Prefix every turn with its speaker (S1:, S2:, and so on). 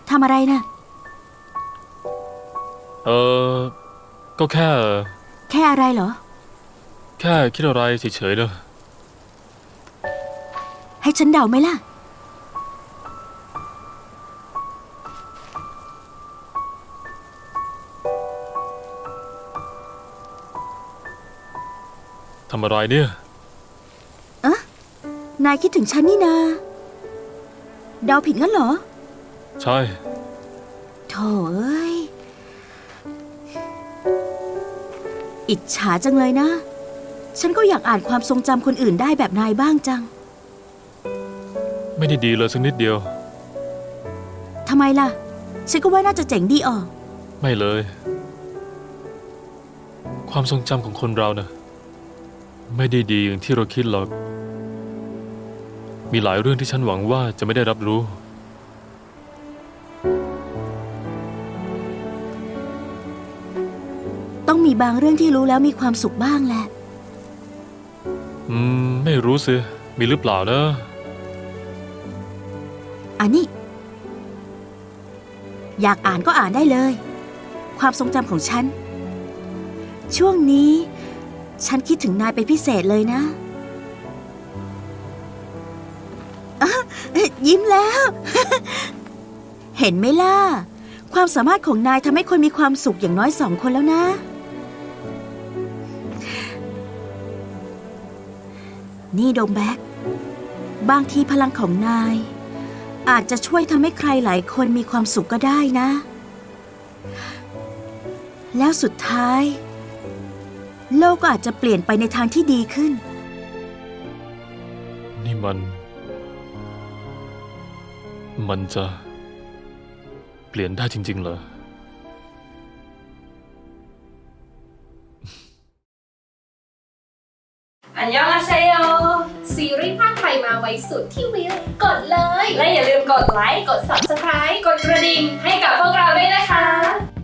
S1: ทำอะไรนะ
S2: ก็แค่
S1: อะไรเหรอ
S2: แค่คิดอะไรเฉยๆเนอะ
S1: ให้ฉันเดาไหมล่ะ
S2: ทำอะไรเนี่ย
S1: นายคิดถึงฉันนี่นาเดาผิดงั้นเหรอ
S2: ใช่
S1: โถ่เอ้ย อิจฉาจังเลยนะ ฉันก็อยากอ่านความทรงจำคนอื่นได้แบบนายบ้างจัง
S2: ไม่ได้ดีเลยสักนิดเดียว
S1: ทำไมล่ะ ฉันก็ว่าน่าจะเจ๋งดีออก
S2: ไม่เลย ความทรงจำของคนเรานะไม่ได้ดีอย่างที่เราคิดหรอก มีหลายเรื่องที่ฉันหวังว่าจะไม่ได้รับรู้
S1: ต้องมีบางเรื่องที่รู้แล้วมีความสุขบ้างแหละ
S2: ไม่รู้สิ มีหรือเปล่านะ
S1: อันนี้ อยากอ่านก็อ่านได้เลย ความทรงจำของฉัน ช่วงนี้ ฉันคิดถึงนายเป็นพิเศษเลยนะยิ้มแล้ว เห็นไหมล่ะ ความสามารถของนายทำให้คนมีความสุขอย่างน้อย2 คนแล้วนะ นี่โดมแบ็กบางทีพลังของนาย อาจจะช่วยทำให้ใครหลายคนมีความสุขก็ได้นะ แล้วสุดท้าย โลกก็อาจจะเปลี่ยนไปในทางที่ดีขึ้น
S2: นี่มันจะเปลี่ยนได้จริงๆเหรอ
S3: อันยองอาเซโย
S4: ซีรีส์ภาคไทยมาไว้สุดที่วิวกดเลย
S3: และอย่าลืมกดไลค์ กด Subscribe กดกระดิ่งให้กับพวกเราด้วยนะคะ